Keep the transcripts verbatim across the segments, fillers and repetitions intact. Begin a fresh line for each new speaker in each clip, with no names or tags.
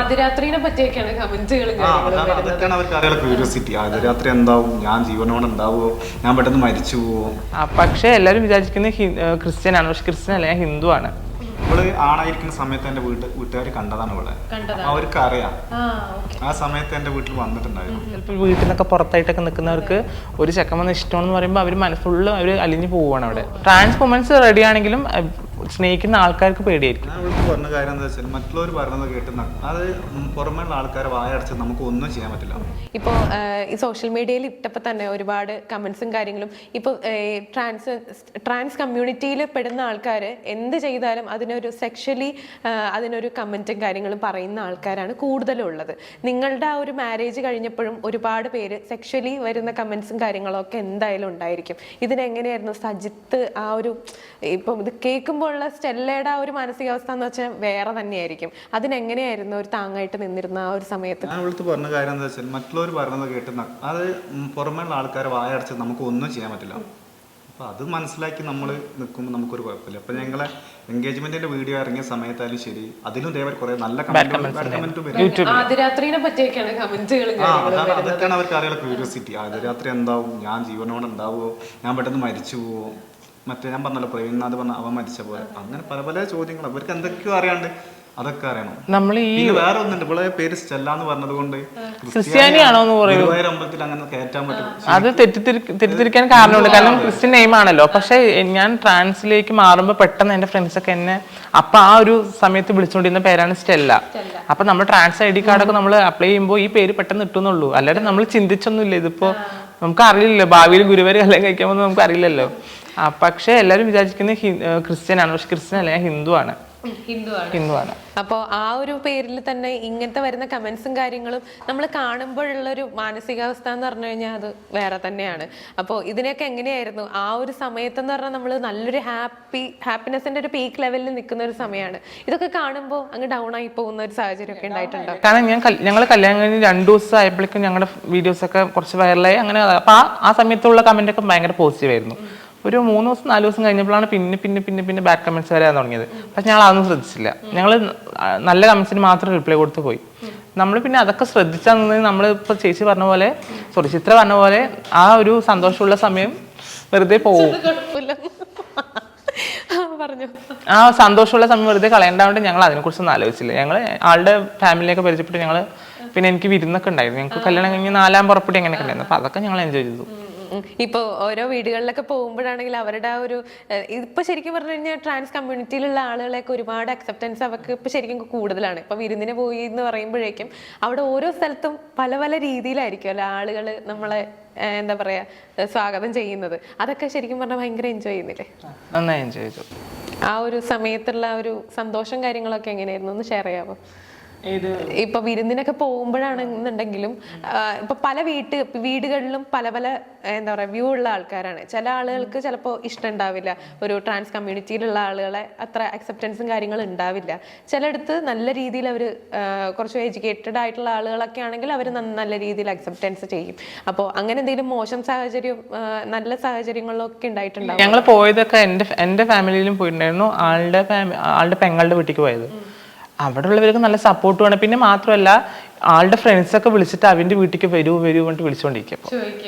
ആദ്യരാത്രിനെ പറ്റിയൊക്കെയാണ് കമന്റുകൾ.
അതൊക്കെയാണ് അവർക്ക് അറിയാനുള്ള ക്യൂരിയോസിറ്റി. ആദ്യരാത്രി എന്താവും, ഞാൻ ജീവനോടെ ഉണ്ടാവുമോ, ഞാൻ പെട്ടെന്ന് മരിച്ചു പോവോ.
പക്ഷെ എല്ലാവരും വിചാരിക്കുന്നത് ക്രിസ്ത്യൻ ആണ്, പക്ഷെ ക്രിസ്ത്യൻ അല്ല, ഞാൻ ഹിന്ദു ആണ്.
ഇവള് ആണായിരിക്കുന്ന സമയത്ത് എന്റെ വീട്ട് വീട്ടുകാർ കണ്ടതാണ് ഇവിടെ. അവർക്ക് അറിയാം ആ സമയത്ത് എന്റെ വീട്ടിൽ വന്നിട്ടുണ്ടായിരുന്നു.
ചിലപ്പോൾ വീട്ടിൽ നിന്നൊക്കെ പുറത്തായിട്ടൊക്കെ നിൽക്കുന്നവർക്ക് ഒരു ചെക്കൻ വന്ന് ഇഷ്ടമാണെന്ന് പറയുമ്പോൾ അവർ മനസ്സുള്ള അവർ അലിഞ്ഞു പോവുകയാണ് അവിടെ. ട്രാൻസ് വുമൻസ് റെഡി ആണെങ്കിലും സ്നേഹിക്കുന്ന ആൾക്കാർക്ക് പേടിയായിരിക്കും.
ഞാൻ അവൾക്ക് പറഞ്ഞ കാര്യം എന്താ വെച്ചാൽ മറ്റുള്ളവർ പറയുന്നത് കേട്ട് അത് പുറമേയുള്ള ആൾക്കാരെ വായടച്ച് നമുക്ക് ഒന്നും ചെയ്യാൻ പറ്റില്ല.
ഇപ്പോൾ ഈ സോഷ്യൽ മീഡിയയിൽ ഇട്ടപ്പോൾ തന്നെ ഒരുപാട് കമന്റ്സും കാര്യങ്ങളും ഇപ്പോൾ ട്രാൻസ് ട്രാൻസ് കമ്മ്യൂണിറ്റിയിൽ പെടുന്ന ആൾക്കാർ എന്ത് ചെയ്താലും അതിനൊരു സെക്ഷലി അതിനൊരു കമന്റും കാര്യങ്ങളും പറയുന്ന ആൾക്കാരാണ് കൂടുതലും ഉള്ളത്. നിങ്ങളുടെ ആ ഒരു മാരേജ് കഴിഞ്ഞപ്പോഴും ഒരുപാട് പേര് സെക്ഷലി വരുന്ന കമന്റ്സും കാര്യങ്ങളും ഒക്കെ എന്തായാലും ഉണ്ടായിരിക്കും. ഇതിനെങ്ങനെയായിരുന്നു സജിത്ത് ആ ഒരു ഇപ്പം ഇത് കേൾക്കുമ്പോൾ ഉള്ള സ്റ്റെല്ലയുടെ ആ ഒരു മാനസികാവസ്ഥ എന്ന് വെച്ചാൽ വേറെ തന്നെയായിരിക്കും. അതിനെങ്ങനെയായിരുന്നു ഒരു താങ്ങായിട്ട് നിന്നിരുന്ന ആ ഒരു സമയത്ത്?
ഞാൻ അവൾക്ക് പറഞ്ഞ കാര്യം എന്താ വെച്ചാൽ മറ്റുള്ളവർ പറയുന്നത് കേട്ട് അത് പുറമേയുള്ള ആൾക്കാരെ വായടച്ച് നമുക്ക് ഒന്നും ചെയ്യാൻ പറ്റില്ല. അപ്പൊ അത് മനസ്സിലാക്കി നമ്മൾ നിൽക്കുമ്പോൾ നമുക്കൊരു കുഴപ്പമില്ല. അപ്പൊ ഞങ്ങളെ എൻഗേജ്മെന്റിന്റെ വീഡിയോ ഇറങ്ങിയ സമയത്തായാലും ശരി, അതിലും ഇതേപോലെ കുറെ നല്ല
ആദ്യരാത്രിനെ പറ്റിയൊക്കെയാണ് കമന്റുകൾ.
അതൊക്കെയാണ് അവർക്ക് അറിയാനുള്ള ക്യൂരിയോസിറ്റി. ആദ്യരാത്രി എന്താവും, ഞാൻ ജീവനോടെ ഉണ്ടാവുമോ, ഞാൻ പെട്ടെന്ന് മരിച്ചു പോവോ, മറ്റേ ഞാൻ പറഞ്ഞല്ലോ പ്രവീൺനാഥ് പറഞ്ഞ അവൻ മരിച്ച പോലെ, അങ്ങനെ പല പല ചോദ്യങ്ങൾ അവർക്ക് എന്തൊക്കെയോ അറിയാണ്ട് അതൊക്കെ അറിയണം. നമ്മൾ ഈ വേറെ ഒന്നുണ്ട്, ഇവിടെ പേര് സ്റ്റെല്ല എന്ന് പറഞ്ഞത് കൊണ്ട്
ക്രിസ്ത്യാനിയാണോ എന്ന് പറയുന്നത്
അമ്പലത്തിൽ അങ്ങനെ കയറ്റാൻ പറ്റും.
അത് തെറ്റിദ്ധരിക്കാൻ കാരണമുണ്ട്, കാരണം ക്രിസ്ത്യൻ നെയിം ആണല്ലോ. പക്ഷെ ഞാൻ ട്രാൻസിലേക്ക് മാറുമ്പോൾ പെട്ടെന്ന് എന്റെ ഫ്രണ്ട്സ് ഒക്കെ എന്നെ അപ്പൊ ആ ഒരു സമയത്ത് വിളിച്ചുകൊണ്ടിരുന്ന പേരാണ് സ്റ്റെല്ല. അപ്പൊ നമ്മൾ ട്രാൻസ് ഐ ഡി കാർഡൊക്കെ നമ്മൾ അപ്ലൈ ചെയ്യുമ്പോൾ ഈ പേര് പെട്ടെന്ന് ഇട്ടുന്നുള്ളൂ, അല്ലാതെ നമ്മൾ ചിന്തിച്ചൊന്നുമില്ല. ഇതിപ്പോ നമുക്ക് അറിയില്ലല്ലോ, ഭാവിയിൽ ഗുരുവായൂർ കല്യാണം കഴിക്കാൻ പോകുന്നത് നമുക്ക് അറിയില്ലല്ലോ. പക്ഷെ എല്ലാവരും വിചാരിക്കുന്നത് ക്രിസ്ത്യൻ ആണ്, പക്ഷെ ക്രിസ്ത്യൻ അല്ല, ഞാൻ ഹിന്ദു ആണ്. ഹിന്ദുവാണ്.
അപ്പോൾ ആ ഒരു പേരിൽ തന്നെ ഇങ്ങനത്തെ വരുന്ന കമന്റ്സും കാര്യങ്ങളും നമ്മൾ കാണുമ്പോഴുള്ളൊരു മാനസികാവസ്ഥ എന്ന് പറഞ്ഞു കഴിഞ്ഞാൽ അത് വേറെ തന്നെയാണ്. അപ്പോൾ ഇതിനൊക്കെ എങ്ങനെയായിരുന്നു ആ ഒരു സമയത്തെന്ന് പറഞ്ഞാൽ നമ്മൾ നല്ലൊരു ഹാപ്പി ഹാപ്പിനെസിന്റെ ഒരു പീക്ക് ലെവലിൽ നിൽക്കുന്ന ഒരു സമയമാണ്. ഇതൊക്കെ കാണുമ്പോൾ അങ്ങ് ഡൗൺ ആയി പോകുന്ന ഒരു സാഹചര്യം ഒക്കെ ഉണ്ടായിട്ടുണ്ടോ?
കാരണം ഞാൻ ഞങ്ങൾ കല്യാണം കഴിഞ്ഞ് രണ്ടു ദിവസം ആയപ്പോഴേക്കും ഞങ്ങളുടെ വീഡിയോസ് ഒക്കെ കുറച്ച് വൈറലായി. അങ്ങനെ അപ്പൊ ആ സമയത്തുള്ള കമന്റ് ഒക്കെ ഭയങ്കര പോസിറ്റീവ് ആയിരുന്നു. ഒരു മൂന്ന് ദിവസം നാല് ദിവസം കഴിഞ്ഞപ്പോഴാണ് പിന്നെ പിന്നെ പിന്നെ പിന്നെ ബാഡ് കമന്റ്സ് വരാൻ തുടങ്ങിയത്. പക്ഷെ ഞങ്ങൾ അതൊന്നും ശ്രദ്ധിച്ചില്ല. ഞങ്ങൾ നല്ല കമന്റ്സിന് മാത്രം റിപ്ലൈ കൊടുത്ത് പോയി. നമ്മൾ പിന്നെ അതൊക്കെ ശ്രദ്ധിച്ചാൽ നമ്മൾ ഇപ്പൊ ചേച്ചി പറഞ്ഞ പോലെ, സോറി ചിത്ര പറഞ്ഞ പോലെ, ആ ഒരു സന്തോഷമുള്ള സമയം വെറുതെ പോവും. ആ സന്തോഷമുള്ള സമയം വെറുതെ കളയേണ്ടതുകൊണ്ട് ഞങ്ങൾ അതിനെക്കുറിച്ചൊന്നും ആലോചിച്ചില്ല. ഞങ്ങൾ ആളുടെ ഫാമിലിയൊക്കെ പരിചയപ്പെട്ട് ഞങ്ങൾ പിന്നെ എനിക്ക് വിരുന്നൊക്കെ ഉണ്ടായിരുന്നു. ഞങ്ങൾക്ക് കല്യാണം കഴിഞ്ഞ് നാലാം പുറപ്പെട്ടി അങ്ങനെയൊക്കെ ഉണ്ടായിരുന്നു. അപ്പൊ അതൊക്കെ ഞങ്ങൾ എൻജോയ് ചെയ്തു.
ഇപ്പോൾ ഓരോ വീടുകളിലൊക്കെ പോകുമ്പോഴാണെങ്കിൽ അവരുടെ ആ ഒരു ഇപ്പൊ ശരിക്കും പറഞ്ഞു കഴിഞ്ഞാൽ ട്രാൻസ് കമ്മ്യൂണിറ്റിയിലുള്ള ആളുകളെയൊക്കെ ഒരുപാട് അക്സെപ്റ്റൻസ് അവർക്ക് ഇപ്പൊ ശരിക്കും കൂടുതലാണ്. ഇപ്പൊ വിരുന്നിന് പോയി എന്ന് പറയുമ്പോഴേക്കും അവിടെ ഓരോ സ്ഥലത്തും പല പല രീതിയിലായിരിക്കും അല്ലെ ആളുകൾ നമ്മളെ എന്താ പറയാ സ്വാഗതം ചെയ്യുന്നത്. അതൊക്കെ ശരിക്കും പറഞ്ഞാൽ ഭയങ്കര എൻജോയ് ചെയ്യുന്നില്ലേ?
നന്നായി എൻജോയ് ചെയ്തു.
ആ ഒരു സമയത്തുള്ള ഒരു സന്തോഷം കാര്യങ്ങളൊക്കെ എങ്ങനെയായിരുന്നു ഒന്ന് ഷെയർ ചെയ്യാമോ? ഇപ്പൊ വിരുന്നിനൊക്കെ പോകുമ്പോഴാണെന്നുണ്ടെങ്കിലും ഇപ്പൊ പല വീട്ട് വീടുകളിലും പല പല എന്താ പറയാ വ്യൂ ഉള്ള ആൾക്കാരാണ്. ചില ആളുകൾക്ക് ചിലപ്പോൾ ഇഷ്ടം ഉണ്ടാവില്ല, ഒരു ട്രാൻസ് കമ്മ്യൂണിറ്റിയിലുള്ള ആളുകളെ അത്ര അക്സെപ്റ്റൻസും കാര്യങ്ങളും ഉണ്ടാവില്ല. ചിലയിടത്ത് നല്ല രീതിയിൽ അവർ കുറച്ച് എഡ്യൂക്കേറ്റഡ് ആയിട്ടുള്ള ആളുകളൊക്കെ ആണെങ്കിൽ അവർ നല്ല രീതിയിൽ അക്സെപ്റ്റൻസ് ചെയ്യും. അപ്പോൾ അങ്ങനെ എന്തെങ്കിലും മോശം സാഹചര്യം നല്ല സാഹചര്യങ്ങളിലൊക്കെ ഉണ്ടായിട്ടുണ്ടാവും?
ഞങ്ങൾ പോയതൊക്കെ എന്റെ എന്റെ ഫാമിലിയിലും പോയിട്ടുണ്ടായിരുന്നു. ആളുടെ ആളുടെ പെങ്ങളുടെ വീട്ടിലേക്ക് പോയത്. അവിടെ ഉള്ളവർക്ക് നല്ല സപ്പോർട്ട് വേണം. പിന്നെ മാത്രമല്ല ആളുടെ ഫ്രണ്ട്സ് ഒക്കെ വിളിച്ചിട്ട് അവന്റെ വീട്ടിലേക്ക് വരൂ വരൂ പറഞ്ഞിട്ട് വിളിച്ചോണ്ടിരിക്കും.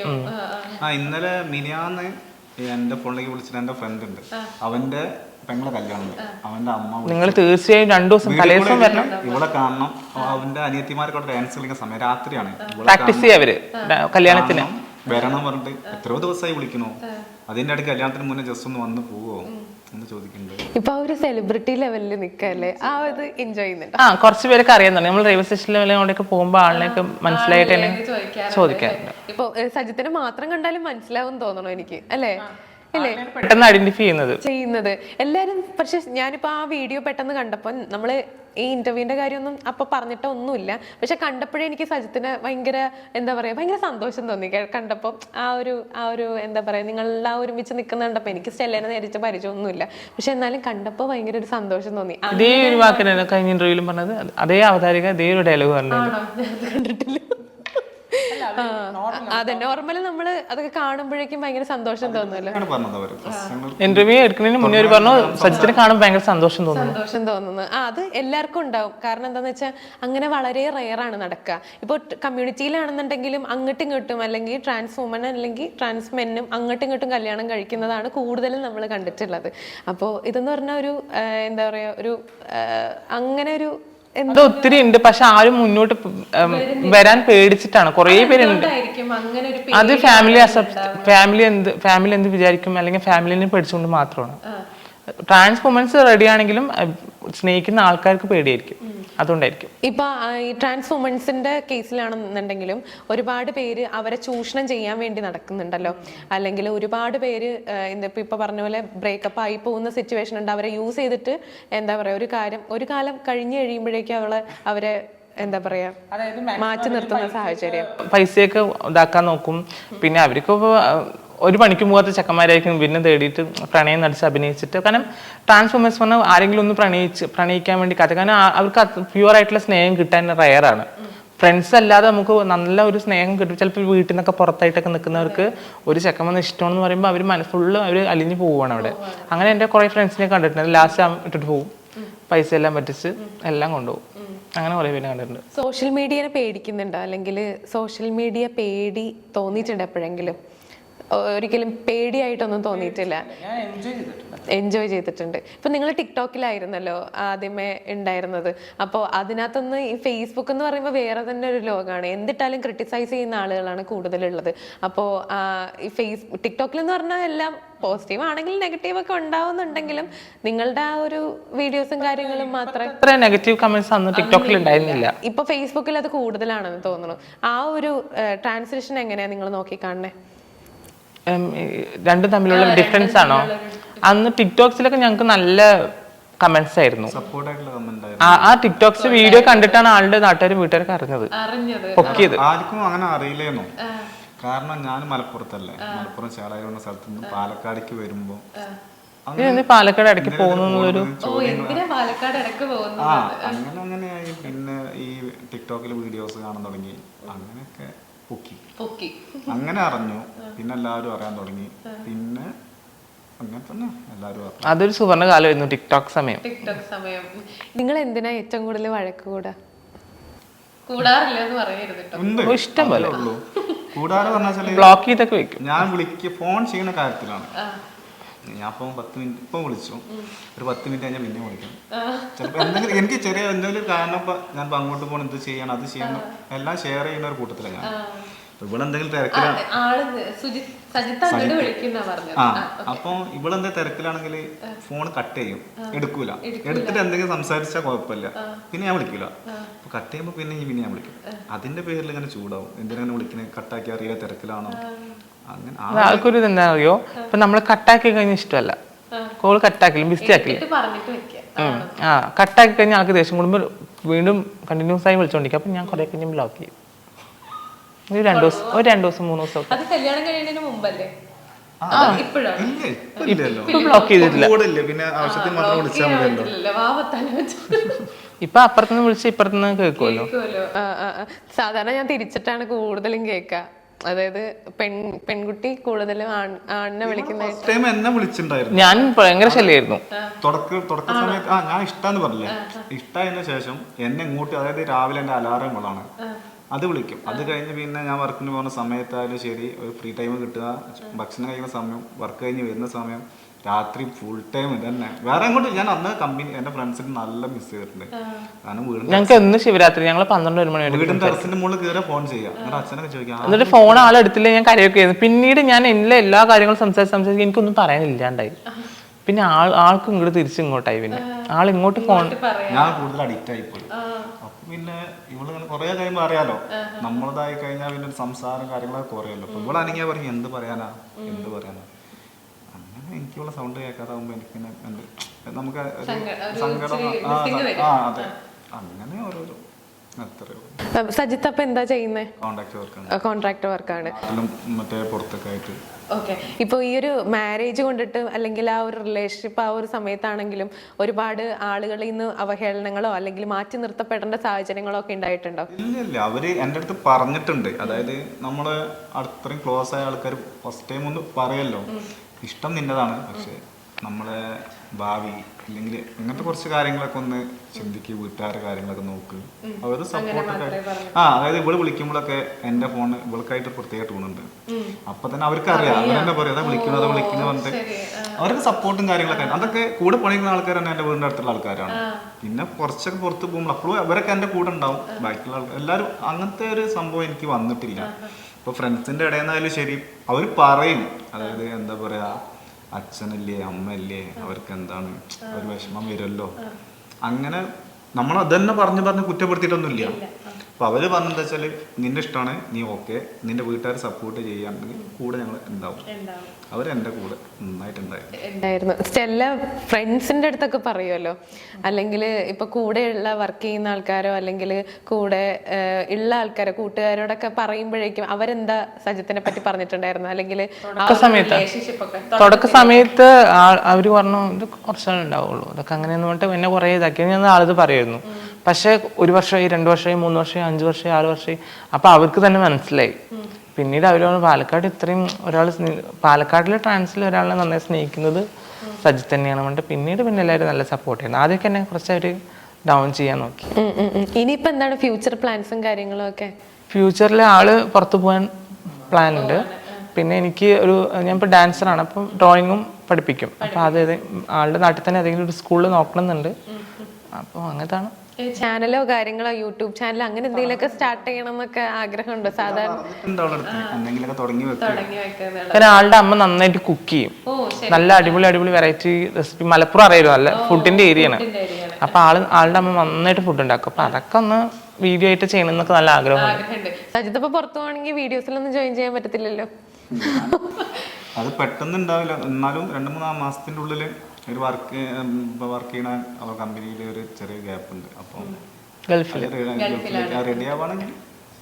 ഇന്നലെ മിനിയാന്ന് എന്റെ ഫോണിലേക്ക് വിളിച്ചിട്ട് എന്റെ ഫ്രണ്ട് ഉണ്ട്, അവന്റെ പെങ്ങളെ കല്യാണം, അവന്റെ അമ്മ. നിങ്ങൾ
തീർച്ചയായും രണ്ടു ദിവസം തലേദിവസം വരണം,
ഇവിടെ കാണണം. അവന്റെ അനിയത്തിമാർക്ക് ഡാൻസ് കളിക്കുന്ന സമയം രാത്രിയാണ്,
പ്രാക്ടീസ് ചെയ്യാ അവര് കല്യാണത്തിന്
വരണം പറഞ്ഞിട്ട് എത്രയോ ദിവസമായി വിളിക്കണോ. അതിന്റെ അടുത്ത് കല്യാണത്തിന് മുന്നേ ജസ്റ്റ് ഒന്ന് വന്ന് പോവോ എന്ന് ചോദിക്കുന്നുണ്ട്.
ഇപ്പൊ ഒരു സെലിബ്രിറ്റി ലെവലിൽ നിൽക്കല്ലേ, ആ ഇത് എൻജോയ് ചെയ്യുന്നുണ്ട്.
ആ കുറച്ച് പേരൊക്കെ അറിയുന്നുണ്ട്. നമ്മൾ റെയിൽവേ സ്റ്റേഷൻ ലെവലിലൊക്കെ പോകുമ്പോൾ ആളിനെയൊക്കെ മനസ്സിലായിട്ട് തന്നെ ചോദിക്കാറുണ്ട്.
ഇപ്പൊ സജിത്തിനെ മാത്രം കണ്ടാലും മനസ്സിലാവും തോന്നണോ എനിക്ക്, അല്ലേ?
പെട്ടെന്ന് ഐഡന്റിഫൈ ചെയ്യുന്നത്
ചെയ്യുന്നത് എല്ലാരും. പക്ഷെ ഞാനിപ്പോ ആ വീഡിയോ പെട്ടെന്ന് കണ്ടപ്പോ നമ്മള് ഈ ഇന്റർവ്യൂവിന്റെ കാര്യമൊന്നും അപ്പൊ പറഞ്ഞിട്ട് ഒന്നുമില്ല, പക്ഷെ കണ്ടപ്പോഴേ എനിക്ക് സജിത്തിന് ഭയങ്കര എന്താ പറയാ ഭയങ്കര സന്തോഷം തോന്നി കണ്ടപ്പോ. ആ ഒരു ആ ഒരു എന്താ പറയാ നിങ്ങളെല്ലാം ഒരുമിച്ച് നിൽക്കുന്ന കണ്ടപ്പോ എനിക്ക് സ്റ്റെല്ലേനെ നേരിട്ട് പരിചയമൊന്നുമില്ല, പക്ഷെ എന്നാലും കണ്ടപ്പോ ഭയങ്കര ഒരു സന്തോഷം തോന്നി.
അതേ ഒരു വാക്കിനാണ് കഴിഞ്ഞ ഇന്റർവ്യൂവിലും പറഞ്ഞത്, അതേ അവതാരിക അതേ ഒരു ഡയലോഗ് പറഞ്ഞു.
കണ്ടിട്ടില്ല. അതെ നോർമലി നമ്മള് അതൊക്കെ കാണുമ്പോഴേക്കും ഭയങ്കര സന്തോഷം തോന്നുമല്ലോ.
ആണ് പറഞ്ഞത് അവര് പ്രശ്നങ്ങൾ
ഇന്റർവ്യൂ എടുക്കുന്നതിന് മുന്നേ ഒരു പറഞ്ഞു സജിത്തിനെ കാണുമ്പോൾ ഭയങ്കര സന്തോഷം തോന്നുന്നു.
സന്തോഷം തോന്നുന്നു. ആ അത് എല്ലാവർക്കും ഉണ്ടാവും. കാരണം എന്താന്ന് വെച്ചാൽ അങ്ങനെ വളരെ റെയർ ആണ് നടക്കുക. ഇപ്പോൾ കമ്മ്യൂണിറ്റിയിലാണെന്നുണ്ടെങ്കിലും അങ്ങോട്ടും ഇങ്ങോട്ടും അല്ലെങ്കിൽ ട്രാൻസ് വുമൻ അല്ലെങ്കിൽ ട്രാൻസ് മെന്നും അങ്ങോട്ടും ഇങ്ങോട്ടും കല്യാണം കഴിക്കുന്നതാണ് കൂടുതലും നമ്മൾ കണ്ടിട്ടുള്ളത്. അപ്പോൾ ഇതെന്ന് പറഞ്ഞാൽ ഒരു എന്താ പറയാ ഒരു അങ്ങനെ ഒരു
അത് ഒത്തിരി ഉണ്ട്. പക്ഷെ ആരും മുന്നോട്ട് വരാൻ പേടിച്ചിട്ടാണ്. കുറെ പേരുണ്ട്. അത് ഫാമിലി അക്സെപ്റ്റ് ഫാമിലി എന്ത് ഫാമിലി എന്ത് വിചാരിക്കും അല്ലെങ്കിൽ ഫാമിലിനെ പേടിച്ചുകൊണ്ട് മാത്രമാണ്. ട്രാൻസ് വുമൻസ് റെഡി ആണെങ്കിലും സ്നേഹിക്കുന്ന ആൾക്കാർക്ക് പേടിയായിരിക്കും. അതുകൊണ്ടായിരിക്കും
ഇപ്പൊ ഈ ട്രാൻസ് വുമൻസിന്റെ കേസിലാണെന്നുണ്ടെങ്കിലും ഒരുപാട് പേര് അവരെ ചൂഷണം ചെയ്യാൻ വേണ്ടി നടക്കുന്നുണ്ടല്ലോ. അല്ലെങ്കിൽ ഒരുപാട് പേര് എന്താ ഇപ്പൊ പറഞ്ഞ പോലെ ബ്രേക്കപ്പ് ആയി പോകുന്ന സിറ്റുവേഷൻ ഉണ്ട്. അവരെ യൂസ് ചെയ്തിട്ട് എന്താ പറയാ ഒരു കാര്യം ഒരു കാലം കഴിഞ്ഞു കഴിയുമ്പോഴേക്കും അവളെ അവരെ എന്താ പറയാ മാറ്റി നിർത്തുന്ന സാഹചര്യം.
പൈസയൊക്കെ ഇതാക്കാൻ നോക്കും. പിന്നെ അവർക്ക് ഒരു പണിക്ക് പോകാത്ത ചെക്കന്മാരായിരിക്കും പിന്നെ തേടിയിട്ട് പ്രണയം നടിച്ച് അഭിനയിച്ചിട്ട്. കാരണം ട്രാൻസ് വുമൻസ് പറഞ്ഞാൽ ആരെങ്കിലും ഒന്ന് പ്രണയിച്ച് പ്രണയിക്കാൻ വേണ്ടി കഥ. കാരണം അവർക്ക് പ്യുവർ ആയിട്ടുള്ള സ്നേഹം കിട്ടാൻ റയറാണ്. ഫ്രണ്ട്സ് അല്ലാതെ നമുക്ക് നല്ല ഒരു സ്നേഹം കിട്ടും. ചിലപ്പോൾ വീട്ടിൽ നിന്നൊക്കെ പുറത്തായിട്ടൊക്കെ നിൽക്കുന്നവർക്ക് ഒരു ചെക്കൻ വന്ന് ഇഷ്ടമാണെന്ന് പറയുമ്പോൾ അവർ മനസ്സ് ഫുള്ള് അവർ അലിഞ്ഞു പോവുകയാണ് അവിടെ. അങ്ങനെ എൻ്റെ കുറേ ഫ്രണ്ട്സിനെ കണ്ടിട്ടുണ്ട്. ലാസ്റ്റ് ഇട്ടിട്ട് പോകും, പൈസ എല്ലാം പറ്റിച്ച് എല്ലാം കൊണ്ടുപോകും. അങ്ങനെ കുറേ പേര് കണ്ടിട്ടുണ്ട്.
സോഷ്യൽ മീഡിയനെ പേടിക്കുന്നുണ്ടോ അല്ലെങ്കിൽ സോഷ്യൽ മീഡിയ പേടി തോന്നിയിട്ടുണ്ട് എപ്പോഴെങ്കിലും? ഒരിക്കലും പേടിയായിട്ടൊന്നും തോന്നിയിട്ടില്ല, എൻജോയ് ചെയ്തിട്ടുണ്ട്. ഇപ്പൊ നിങ്ങൾ ടിക്ടോക്കിലായിരുന്നല്ലോ ആദ്യമേ ഉണ്ടായിരുന്നത്. അപ്പോൾ അതിനകത്തൊന്ന് ഈ ഫേസ്ബുക്ക് എന്ന് പറയുമ്പോൾ വേറെ തന്നെ ഒരു ലോകമാണ്. എന്തിട്ടാലും ക്രിട്ടിസൈസ് ചെയ്യുന്ന ആളുകളാണ് കൂടുതലുള്ളത്. അപ്പോൾ ഈ ഫേസ് ടിക്ടോക്കിൽ എന്ന് പറഞ്ഞാൽ എല്ലാം പോസിറ്റീവ് ആണെങ്കിലും നെഗറ്റീവ് ഒക്കെ ഉണ്ടാവുന്നുണ്ടെങ്കിലും നിങ്ങളുടെ ആ ഒരു വീഡിയോസും കാര്യങ്ങളും മാത്രമേ
നെഗറ്റീവ് കമന്റ്സ് അന്ന് ടിക്ടോക്കിൽ ഉണ്ടായിരുന്നില്ല.
ഇപ്പൊ ഫേസ്ബുക്കിൽ അത് കൂടുതലാണെന്ന് തോന്നുന്നു. ആ ഒരു ട്രാൻസ്ലേഷൻ എങ്ങനെയാ നിങ്ങൾ നോക്കി കാണണേ?
രണ്ടും തമ്മിലുള്ള ഡിഫറൻസ് ആണോ? അന്ന് ടിക്ടോക്സിലൊക്കെ ഞങ്ങൾക്ക് നല്ല കമന്റ്സ് ആയിരുന്നു. ആ ടിക്ടോക്സ് വീഡിയോ കണ്ടിട്ടാണ് ആളുടെ നാട്ടുകാരും വീട്ടുകാരൊക്കെ അറിഞ്ഞത്, പൊക്കിയത്.
ആർക്കും അങ്ങനെ അറിയില്ലേന്നോ. കാരണം ഞാൻ മലപ്പുറത്തല്ലേ, മലപ്പുറം ചേളായി എന്ന സ്ഥലത്ത് നിന്ന് പാലക്കാടേക്ക് വരുമ്പോ
പാലക്കാട് ഇടയ്ക്ക് പോകുന്നൊരു
ആ അങ്ങനെ അങ്ങനെയായി. പിന്നെ ഈ ടിക്ടോക്കിൽ വീഡിയോസ് കാണാൻ തുടങ്ങി. അങ്ങനെയൊക്കെ പൊക്കി അങ്ങനെ അറിഞ്ഞു. പിന്നെ എല്ലാവരും അറിയാൻ തുടങ്ങി. പിന്നെ അങ്ങനെ തന്നെ എല്ലാവരും അറിഞ്ഞു.
അതൊരു സുവർണ്ണ കാലമായിരുന്നു ടിക്ടോക്ക് സമയം.
ടിക്ടോക്ക് സമയം. നിങ്ങൾ എന്തിനാ ഏറ്റവും കൂടുതൽ വഴക്ക് കൂടാ? കൂടാറില്ലെന്ന് പറയരുത്.
ഇഷ്ടം പോലെ
ഉള്ളൂ. കൂടാറ് പറഞ്ഞാൽ
ബ്ലോക്ക് ചെയ്തൊക്കെ വെക്കും.
ഞാൻ വിളിക്കുക ഫോൺ ചെയ്യുന്ന കാര്യത്തിലാണ്. ഞാൻ ഇപ്പം പത്ത് മിനിറ്റ് ഇപ്പം വിളിച്ചു, ഒരു പത്ത് മിനിറ്റ് കഴിഞ്ഞാൽ പിന്നെ വിളിക്കണം. ചിലപ്പോൾ എന്തെങ്കിലും എനിക്ക് ചെറിയ എന്തെങ്കിലും കാരണം ഇപ്പം ഞാൻ ഇപ്പം അങ്ങോട്ട് പോകണം, എന്ത് ചെയ്യണം, അത് ചെയ്യണം, എല്ലാം ഷെയർ ചെയ്യുന്ന ഒരു കൂട്ടത്തിലാണ് ഞാൻ. ഇവിടെ എന്തെങ്കിലും തിരക്കിലാണ് ആ അപ്പോൾ ഇവിടെ എന്തെങ്കിലും തിരക്കിലാണെങ്കിൽ ഫോൺ കട്ട് ചെയ്യും, എടുക്കൂല. എടുത്തിട്ട് എന്തെങ്കിലും സംസാരിച്ചാൽ കുഴപ്പമില്ല, പിന്നെ ഞാൻ വിളിക്കൂല. അപ്പൊ കട്ട് ചെയ്യുമ്പോൾ പിന്നെ പിന്നെ ഞാൻ വിളിക്കും. അതിന്റെ പേരിൽ ഇങ്ങനെ ചൂടാവും. എന്തിനാണ് വിളിക്കുന്നത്, കട്ടാക്കി അറിയില്ല, തിരക്കിലാണോ. അങ്ങനെ
ആൾക്കൊരു എന്താ അറിയോ, ഇപ്പൊ നമ്മള് കട്ടാക്കി കഴിഞ്ഞ ഇഷ്ടമല്ല, കോൾ കട്ടാക്കില്ല, ബിസി ആക്കില്ല. ആ കട്ടാക്കി കഴിഞ്ഞാൽ ആൾക്ക് ദേഷ്യം കൂടുമ്പോൾ വീണ്ടും കണ്ടിന്യൂസ് ആയി വിളിച്ചോണ്ടിരിക്കും. അപ്പൊ ഞാൻ കുറെ കഴിഞ്ഞ് ബ്ലോക്ക് ചെയ്യും. ഒരു രണ്ടു ദിവസം ഒരു രണ്ടു ദിവസം മൂന്ന് ദിവസം ബ്ലോക്ക് ചെയ്തിട്ടില്ല. ഇപ്പൊ അപ്പുറത്തുനിന്ന് വിളിച്ച് ഇപ്പുറത്തുനിന്ന് കേൾക്കുമല്ലോ.
സാധാരണ ഞാൻ തിരിച്ചിട്ടാണ് കൂടുതലും കേൾക്കുക. അതായത് പെൺ പെൺകുട്ടി കൂടുതലും ആണിനെ വിളിക്കുന്ന
എന്നെ വിളിച്ചിട്ടുണ്ടായിരുന്നു.
ഞാൻ ഭയങ്കര ശല്യായിരുന്നു
തുടക്ക തുടക്ക സമയത്ത്. ആ ഞാൻ ഇഷ്ടാന്ന് പറഞ്ഞില്ലേ, ഇഷ്ടമായതിനു ശേഷം എന്നെ ഇങ്ങോട്ട്, അതായത് രാവിലെ എന്റെ അലാറം കൊള്ളാണ്, അത് വിളിക്കും. അത് കഴിഞ്ഞ് പിന്നെ ഞാൻ വർക്കിന് പോകുന്ന സമയത്തായാലും ശരി, ഒരു ഫ്രീ ടൈം കിട്ടുക, ഭക്ഷണം കഴിക്കുന്ന സമയം, വർക്ക് കഴിഞ്ഞ് വരുന്ന സമയം, രാത്രി ഫുൾ ടൈം ഇതന്നെ. വേറെ അങ്ങോട്ട് ഞാൻ അന്ന് കമ്പനി എന്റെ ഫ്രണ്ട്സിന് നല്ല മിസ് ചെയ്തിട്ടുണ്ട്. കാരണം വീടിന്റെ
ഞങ്ങൾക്ക് എന്ന് ശിവരാത്രി ഞങ്ങൾ പന്ത്രണ്ട് ഒരു മണി
വീടിന്റെ ടെറസിന്റെ മുകളിൽ കയറി ഫോൺ ചെയ്യാം. എന്നിട്ട് അച്ഛനൊക്കെ ചോദിക്കാം.
എന്നിട്ട് ഫോൺ ആളെടുത്തില്ലേ ഞാൻ കരയൊക്കെ ആയിരുന്നു. പിന്നീട് ഞാൻ എല്ലാ എല്ലാ കാര്യങ്ങളും സംസാരിച്ച് സംസാരിച്ച് എനിക്കൊന്നും പറയാനില്ലാണ്ടായി. പിന്നെ ആൾ ആൾക്ക് ഇങ്ങോട്ട് തിരിച്ച് ഇങ്ങോട്ടായി. പിന്നെ ആൾ ഇങ്ങോട്ട് ഫോൺ
ഞാൻ കൂടുതൽ അഡിക്റ്റ് ആയി പോയി. അപ്പൊ പിന്നെ ഇവളിങ്ങനെ കുറെ കഴിയുമ്പോൾ അറിയാലോ, നമ്മളതായി കഴിഞ്ഞാൽ പിന്നെ സംസാരം കാര്യങ്ങളൊക്കെ കുറയല്ലോ. അപ്പൊ ഇവളാണെങ്കിൽ പറഞ്ഞു എന്ത് പറയാനാ എന്ത് പറയാനാ. അങ്ങനെ എനിക്കുള്ള സൗണ്ട് കേൾക്കാതാവുമ്പോ എനിക്കിങ്ങനെ എന്ത് നമുക്ക് സങ്കടം. ആ അതെ, അങ്ങനെ ഓരോരോ.
സജിത്ത് അപ്പൊ എന്താ ചെയ്യുന്നത്?
കോൺട്രാക്ട് വർക്കാണ്.
കോൺട്രാക്ട് വർക്കാണ്.
മറ്റേ പുറത്തൊക്കെ ആയിട്ട്
ഓക്കെ. ഇപ്പോൾ ഈ ഒരു മാരേജ് കൊണ്ടിട്ട് അല്ലെങ്കിൽ ആ ഒരു റിലേഷൻഷിപ്പ് ആ ഒരു സമയത്താണെങ്കിലും ഒരുപാട് ആളുകളിൽ നിന്ന് അവഹേളനങ്ങളോ അല്ലെങ്കിൽ മാറ്റി നിർത്തപ്പെടേണ്ട സാഹചര്യങ്ങളോ ഒക്കെ ഉണ്ടായിട്ടുണ്ടോ?
ഇല്ല ഇല്ല അവര് എൻ്റെ അടുത്ത് പറഞ്ഞിട്ടുണ്ട്. അതായത് നമ്മള് അത്രയും ക്ലോസ് ആയ ആൾക്കാർ ഫസ്റ്റ് ടൈം ഒന്ന് പറയല്ലോ, ഇഷ്ടം നിന്നതാണ്, പക്ഷെ നമ്മളെ ഭാവി അല്ലെങ്കിൽ അങ്ങനത്തെ കുറച്ച് കാര്യങ്ങളൊക്കെ ഒന്ന് ചിന്തിക്കുക, വീട്ടുകാരുടെ കാര്യങ്ങളൊക്കെ നോക്ക്, അവര് സപ്പോർട്ടൊക്കെ. ആ അതായത് ഇവള് വിളിക്കുമ്പോഴൊക്കെ എൻ്റെ ഫോണ് ഇവൾക്കായിട്ട് പ്രത്യേക ടൂണുണ്ട്. അപ്പൊ തന്നെ അവർക്ക് അറിയാം, അവർ തന്നെ പറയും അതാ വിളിക്കുന്നത് അതാ വിളിക്കുന്നത് പറഞ്ഞിട്ട് അവർക്ക് സപ്പോർട്ടും കാര്യങ്ങളൊക്കെ. അതൊക്കെ കൂടെ പണിയുന്ന ആൾക്കാർ തന്നെ എൻ്റെ വീടിൻ്റെ അടുത്തുള്ള ആൾക്കാരാണ്. പിന്നെ കുറച്ചൊക്കെ പുറത്ത് പോകുമ്പോൾ അപ്പോഴും അവരൊക്കെ എൻ്റെ കൂടെ ഉണ്ടാവും. ബാക്കിയുള്ള ആൾക്കാർ എല്ലാവരും അങ്ങനത്തെ ഒരു സംഭവം എനിക്ക് വന്നിട്ടില്ല. ഇപ്പൊ ഫ്രണ്ട്സിന്റെ ഇടയിൽ നിന്നായാലും ശരി അവർ പറയും, അതായത് എന്താ പറയാ അച്ഛനല്ലേ അമ്മയല്ലേ അവർക്ക് എന്താണ് ഒരു വിഷമം വരുമല്ലോ, അങ്ങനെ നമ്മൾ അതന്നെ പറഞ്ഞു പറഞ്ഞ് കുറ്റപ്പെടുത്തിയിട്ടൊന്നുമില്ല. അപ്പൊ അവര് പറഞ്ഞെന്താ വെച്ചാല് നിന്റെ ഇഷ്ടമാണ്, നീ ഓക്കെ, നിന്റെ വീട്ടുകാർ സപ്പോർട്ട് ചെയ്യാണെങ്കിൽ കൂടെ ഞങ്ങൾ ഉണ്ടാവും. അവരെന്റെ കൂടെ
നന്നായിട്ടുണ്ടായിരുന്നു. സ്റ്റെല്ല ഫ്രണ്ട്സിന്റെ അടുത്തൊക്കെ പറയുമല്ലോ, അല്ലെങ്കിൽ ഇപ്പൊ കൂടെയുള്ള വർക്ക് ചെയ്യുന്ന ആൾക്കാരോ അല്ലെങ്കിൽ കൂടെ ഉള്ള ആൾക്കാരോ കൂട്ടുകാരോടൊക്കെ പറയുമ്പോഴേക്കും അവരെന്താ സജിത്തിനെ പറ്റി പറഞ്ഞിട്ടുണ്ടായിരുന്നു? അല്ലെങ്കിൽ
തുടക്ക സമയത്ത് അവര് പറഞ്ഞു ഇത് കുറച്ചാൾ ഉണ്ടാവുള്ളൂ, അതൊക്കെ അങ്ങനെയെന്ന് പറഞ്ഞിട്ട് എന്നെ കുറെ ഇതാക്കി ഞാൻ ആളത് പറയുമായിരുന്നു. പക്ഷെ ഒരു വർഷമായി രണ്ട് വർഷമായി മൂന്ന് വർഷമായി അഞ്ചു വർഷമായി ആറ് വർഷമായി അപ്പൊ അവർക്ക് തന്നെ മനസ്സിലായി. പിന്നീട് അവര് പാലക്കാട് ഇത്രയും ഒരാൾ പാലക്കാടിലെ ട്രാൻസിൽ ഒരാളെ നന്നായി സ്നേഹിക്കുന്നത് സജിത്ത് തന്നെയാണ് പറഞ്ഞിട്ട് പിന്നീട് പിന്നെ എല്ലാവരും നല്ല സപ്പോർട്ട് ചെയ്യുന്നത്. ആദ്യമൊക്കെ എന്നെ കുറച്ച് അവര് ഡൗൺ ചെയ്യാൻ നോക്കി.
ഇനിയിപ്പോ എന്താണ് ഫ്യൂച്ചർ പ്ലാൻസും കാര്യങ്ങളും ഒക്കെ?
ഫ്യൂച്ചറിൽ ആള് പുറത്തു പോകാൻ പ്ലാൻ ഉണ്ട്. പിന്നെ എനിക്ക് ഒരു ഞാൻ ഇപ്പോൾ ഡാൻസറാണ്, അപ്പം ഡ്രോയിങ്ങും പഠിപ്പിക്കും. അപ്പോൾ അത് ആളുടെ നാട്ടിൽ തന്നെ ഏതെങ്കിലും ഒരു സ്കൂളിൽ നോക്കണമെന്നുണ്ട്. അപ്പോൾ അങ്ങനത്താണ്.
ചാനലോ കാര്യങ്ങളോ യൂട്യൂബ് ചാനലോ അങ്ങനെ എന്തെങ്കിലുമൊക്കെ സ്റ്റാർട്ട് ചെയ്യണം എന്നൊക്കെ ആഗ്രഹമുണ്ടോ? സാധാരണ
കാരണം ആളുടെ അമ്മ നന്നായിട്ട് കുക്ക് ചെയ്യും, നല്ല അടിപൊളി അടിപൊളി വെറൈറ്റി റെസിപ്പി. മലപ്പുറം അറിയാലോ, നല്ല ഫുഡിന്റെ ഏരിയ ആണ്. അപ്പൊ ആള് ആളുടെ അമ്മ നന്നായിട്ട് ഫുഡ് ഉണ്ടാക്കും. അപ്പൊ അതൊക്കെ ഒന്ന് വീഡിയോ ആയിട്ട് ചെയ്യണം എന്നൊക്കെ നല്ല ആഗ്രഹമുണ്ട്.
സജിത്ത് ഇപ്പൊ പുറത്തു പോകണമെങ്കിൽ വീഡിയോസിലൊന്നും ജോയിൻ ചെയ്യാൻ പറ്റത്തില്ലല്ലോ.
അത് പെട്ടെന്ന് ഉണ്ടാവില്ല, എന്നാലും രണ്ടു മൂന്നാം മാസത്തിന്റെ ഉള്ളില് ഒരു വർക്ക് വർക്ക് ചെയ്യണ അവർ കമ്പനിയിൽ ഒരു ചെറിയ ഗ്യാപ്പ് ഉണ്ട്. അപ്പം
ഗൾഫിൽ
റെഡി ആവുകയാണെങ്കിൽ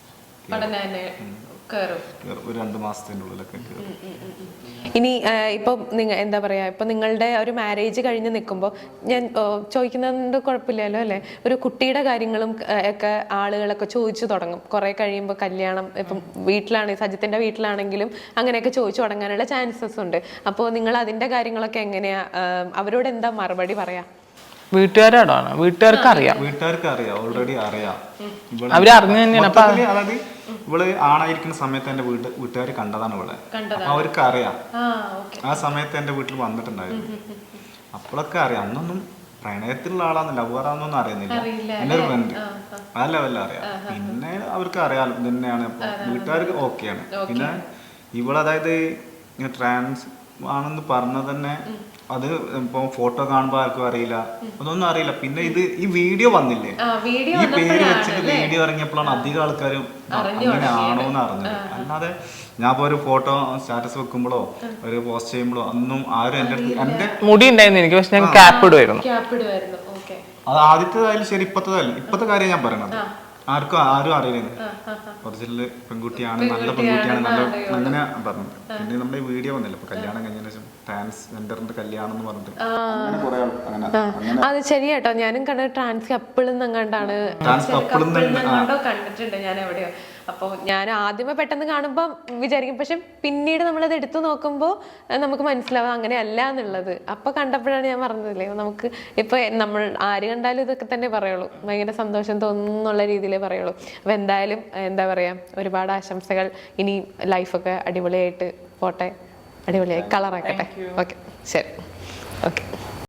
ഒരു രണ്ടു മാസത്തിന്റെ ഉള്ളിലൊക്കെ കയറും.
ഇനി ഇപ്പൊ നിങ്ങൾ എന്താ പറയാ, ഇപ്പൊ നിങ്ങളുടെ ഒരു മാരേജ് കഴിഞ്ഞ് നിൽക്കുമ്പോൾ ഞാൻ ചോദിക്കുന്നതുകൊണ്ട് കുഴപ്പമില്ലല്ലോ അല്ലെ, ഒരു കുട്ടിയുടെ കാര്യങ്ങളും ഒക്കെ ആളുകളൊക്കെ ചോദിച്ചു തുടങ്ങും. കുറെ കഴിയുമ്പോൾ കല്യാണം ഇപ്പം വീട്ടിലാണ് സജിത്തിന്റെ വീട്ടിലാണെങ്കിലും അങ്ങനെയൊക്കെ ചോദിച്ചു തുടങ്ങാനുള്ള ചാൻസസ് ഉണ്ട്. അപ്പോൾ നിങ്ങൾ അതിന്റെ കാര്യങ്ങളൊക്കെ എങ്ങനെയാ, അവരോട് എന്താ മറുപടി പറയാ?
വീട്ടുകാരോടാണ്, വീട്ടുകാർക്ക് അറിയാം,
വീട്ടുകാർക്ക് അറിയാം, ഓൾറെഡി അറിയാം.
അവര് അറിഞ്ഞു തന്നെയാണ്.
അതായത് ഇവള് ആണായിരിക്കുന്ന സമയത്ത് എന്റെ വീട്ട് വീട്ടുകാർ കണ്ടതാണ് ഇവളെ. അപ്പൊ അവർക്ക് അറിയാം, ആ സമയത്ത് എന്റെ വീട്ടിൽ വന്നിട്ടുണ്ടായിരുന്നു. അപ്പോഴൊക്കെ അറിയാം. അന്നൊന്നും പ്രണയത്തിലുള്ള ആളാന്ന് ലവറാന്നൊന്നും അറിയുന്നില്ല. എന്റെ ഒരു ഫ്രണ്ട് ആ ലെവലിൽ അറിയാം. പിന്നെ അവർക്ക് അറിയാം തന്നെയാണ്. അപ്പൊ വീട്ടുകാർക്ക് ഓക്കെയാണ്. പിന്നെ ഇവളതായത് ട്രാൻസ് ആണെന്ന് പറഞ്ഞത് തന്നെ അത് ഇപ്പൊ ഫോട്ടോ കാണുമ്പോ ആർക്കും അറിയില്ല, അതൊന്നും അറിയില്ല. പിന്നെ ഇത് ഈ വീഡിയോ വന്നില്ലേ, ഈ പേര് വെച്ചിട്ട് വീഡിയോ ഇറങ്ങിയപ്പോഴാണ് അധികം ആൾക്കാരും അങ്ങനെ ആണോന്ന് അറിഞ്ഞത്. അല്ലാതെ ഞാൻ ഇപ്പൊ ഒരു ഫോട്ടോ സ്റ്റാറ്റസ് വെക്കുമ്പോഴോ ഒരു പോസ്റ്റ് ചെയ്യുമ്പോഴോ ഒന്നും ആരും എന്റെ എന്റെ
മുടി ഉണ്ടായിരുന്നു എനിക്ക്, പക്ഷെ ഞാൻ ക്യാപ്പ് ഇടുമായിരുന്നു.
അത് ആദ്യത്തേതായാലും ശരി ഇപ്പത്തേതായാലും ഇപ്പത്തെ കാര്യം ഞാൻ പറയണത്. ആർക്കും ആരും അറിയില്ല ഒറിജിനൽ പെൺകുട്ടിയാണ്, നല്ല പെൺകുട്ടിയാണ്, നല്ല അങ്ങനെ പറഞ്ഞത്. പിന്നെ നമ്മുടെ വീഡിയോ വന്നില്ല ഇപ്പൊ കല്യാണം കഴിഞ്ഞതിന് ശേഷം ട്രാൻസ്ജെൻഡറിന്റെ കല്യാണം എന്ന് പറഞ്ഞിട്ട് അങ്ങനെ കുറെ അങ്ങനെ.
അത് ശരിയാട്ടോ, ഞാനും കണ്ടത് ട്രാൻസ് കപ്പിൾ എന്നെങ്ങാണ്ടാണ് കണ്ടിട്ടുണ്ട് ഞാൻ എവിടെയോ. അപ്പോൾ ഞാൻ ആദ്യമേ പെട്ടെന്ന് കാണുമ്പോൾ വിചാരിക്കും, പക്ഷെ പിന്നീട് നമ്മളത് എടുത്തു നോക്കുമ്പോൾ നമുക്ക് മനസ്സിലാവും അങ്ങനെയല്ല എന്നുള്ളത്. അപ്പോൾ കണ്ടപ്പോഴാണ് ഞാൻ പറഞ്ഞതില്ലേ, നമുക്ക് ഇപ്പോൾ നമ്മൾ ആര് കണ്ടാലും ഇതൊക്കെ തന്നെ പറയുള്ളൂ, ഭയങ്കര സന്തോഷം തോന്നുന്നുള്ള രീതിയിലേ പറയുള്ളൂ. അപ്പോൾ എന്തായാലും എന്താ പറയുക, ഒരുപാട് ആശംസകൾ. ഇനി ലൈഫൊക്കെ അടിപൊളിയായിട്ട് പോട്ടെ, അടിപൊളിയായി കളറാക്കട്ടെ. ഓക്കെ ശരി, ഓക്കെ.